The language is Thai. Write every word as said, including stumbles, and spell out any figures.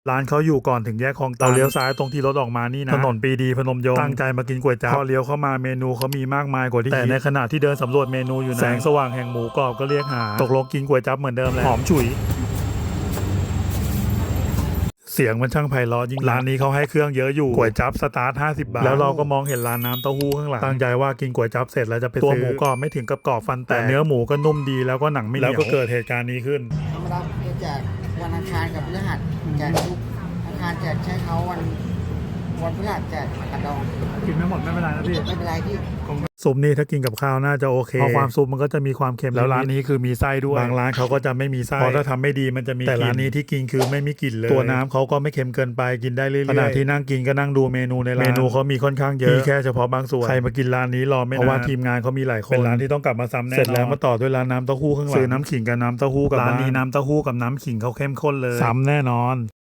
ร้านเขาอยู่ก่อนถึงแยกคลองตันเราเลี้ยวซ้ายตรงที่รถออกมานี่นะถนนปรีดีพนมยงค์ตั้งใจมากินก๋วยจั๊บพอเลี้ยวเข้ามาเมนูเขามีมากมายกว่าที่แต่ในขณะที่เดินสำรวจเมนูอยู่นะแสงสว่างแห่งหมูกรอบก็เรียกหาตกลงกินก๋วยจั๊บเหมือนเดิมเลยหอมฉุยเสียงมันช่างไพเราะยิ่งร้านนี้เขาให้เครื่องเยอะอยู่ก๋วยจั๊บสตาร์ทห้าสิบบาทแล้วเราก็มองเห็นร้านน้ำเต้าหู้ข้างหลังตั้งใจว่ากินก๋วยจั๊บเสร็จแล้วจะไปตัวหมูกรอบไม่ถึงกับกรอบฟันแต่เนื้อหมูก็นุ่มดีแล้วก็หนังไม่เหนียวแล้วก็เกิดเหตุการณ์นี้ขึ้นธรรมดาจะแจกวันอังคารกับพฤหัสแจกทุกอังคารแจกใช้เขาวันวันพฤหัสแจกกระดองกินไม่หมดไม่เป็นไรนะพี่ไม่เป็นไรพี่ซุปนี่ถ้ากินกับข้าวน่าจะโอเคเพราะความซุปมันก็จะมีความเค็มแล้วร้านนี้คือมีไส้ด้วยบางร้านเขาก็จะไม่มีไส้เพราะถ้าทำไม่ดีมันจะมีแต่ร้านนี้ที่กินคือไม่มีกลิ่นเลยตัวน้ำเขาก็ไม่เค็มเกินไปกินได้เรื่อยๆขณะที่นั่งกินก็นั่งดูเมนูในร้านเมนูเขามีค่อนข้างเยอะแค่เฉพาะบางส่วนใครมากินร้านนี้รอไม่นานเพราะว่าทีมงานเขามีหลายคนเป็นร้านที่ต้องกลับมาซ้ำแน่นอนเสร็จแล้วมาต่อด้วยร้านน้ำเต้าหู้ข้างหลังซื้อน้ำขิงกับน้ำเต้าหู้กับร้านนี้น้ำเต้าหู้กับน้ำขิงเขาเข้มข้นเลยซ้ำแน่นอน